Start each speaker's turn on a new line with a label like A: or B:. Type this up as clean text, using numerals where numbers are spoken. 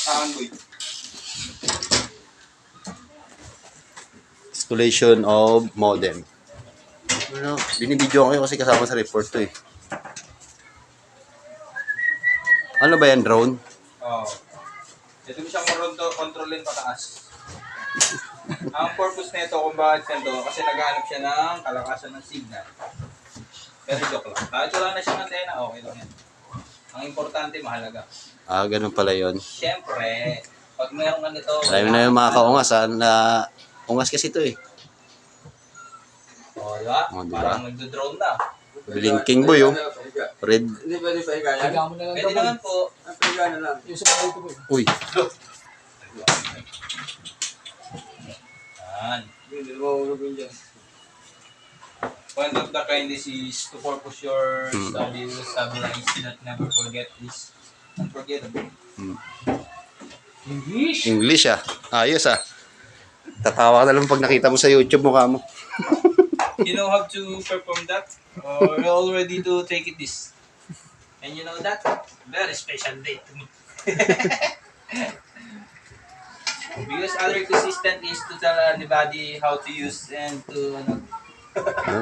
A: Kaangoy.
B: Installation of modem. Ano, binibidyo ko kayo kasi kasama sa report to eh. Ano ba yan, drone?
A: Oo. Ito mo siyang kontrolin pataas. Ang purpose nito kung bakit nito, kasi naghahanap siya ng kalakasan ng signal. Pero joke lang. Kahit wala na siyang antena, okay lang yan. Ang importante, mahalaga.
B: Ah, ganun pala yun.
A: Siyempre, pag mayroong ganito...
B: Alam na yung mga kaungas ha, na ungas kasi to eh.
A: O, diba?
B: O, diba?
A: Parang nagdo-drone na.
B: Blinking boy oh. Red.
C: Hindi pwede sa higayan.
D: Higa mo na lang
A: Pwede
D: ito, boy.
A: naman po.
C: Ang higa na lang.
D: Yung sa mga dito, boy.
B: Uy.
A: Yan.
C: Hindi mo ulubin dyan.
A: One of the kindness is to purpose your study will stabilize that never forget is unforgettable.
D: English.
B: English ah. Ayos ah. Tatawa ka na lang pag nakita mo sa YouTube mukha mo.
A: You know how to perform that? Or you're all ready to take it this? And you know that? Very special day to me. Because other assistant is to tell anybody how to use and to